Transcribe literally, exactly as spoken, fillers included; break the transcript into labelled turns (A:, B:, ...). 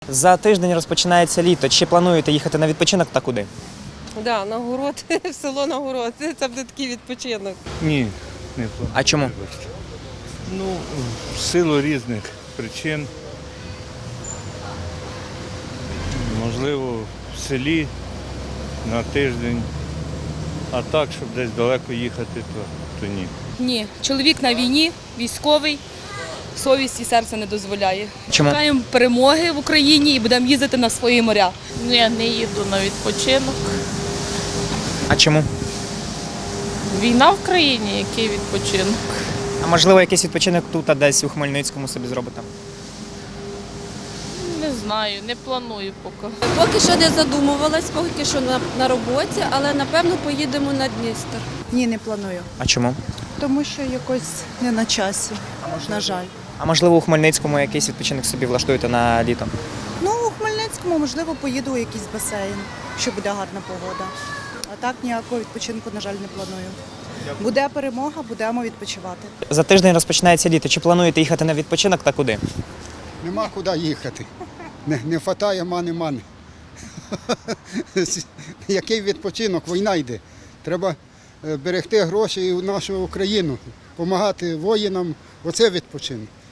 A: За тиждень розпочинається літо. Чи плануєте їхати на відпочинок та куди?
B: Так, да, на город, в село на город. Це буде такий відпочинок.
C: Ні, не планую.
A: А чому?
C: Вибачте. Ну, в силу різних причин. Можливо, в селі на тиждень, а так, щоб десь далеко їхати, то, то ні.
D: Ні, чоловік на війні, військовий, совість і серце не дозволяє.
A: Чому?
D: Чекаємо перемоги в Україні і будемо їздити на свої моря.
E: Ні, не їду на відпочинок.
A: А чому?
E: Війна в країні, який відпочинок?
A: А можливо, якийсь відпочинок тут, а десь у Хмельницькому собі зробите?
E: Не знаю, не планую поки.
F: Поки що не задумувалась, поки що на, на роботі, але напевно поїдемо на Дністер.
G: Ні, не планую.
A: А чому?
G: Тому що якось не на часі, на жаль.
A: А можливо, у Хмельницькому якийсь відпочинок собі влаштуєте на літо?
G: Ну, у Хмельницькому, можливо, поїду у якийсь басейн, якщо буде гарна погода. А так ніякого відпочинку, на жаль, не планую. Буде перемога, будемо відпочивати.
A: За тиждень розпочинається літо. Чи плануєте їхати на відпочинок та куди?
H: Нема куди їхати. Не, не вистачає мани-мани. Який відпочинок? Війна йде. Треба берегти гроші і в нашу Україну, допомагати воїнам. Оце відпочинок.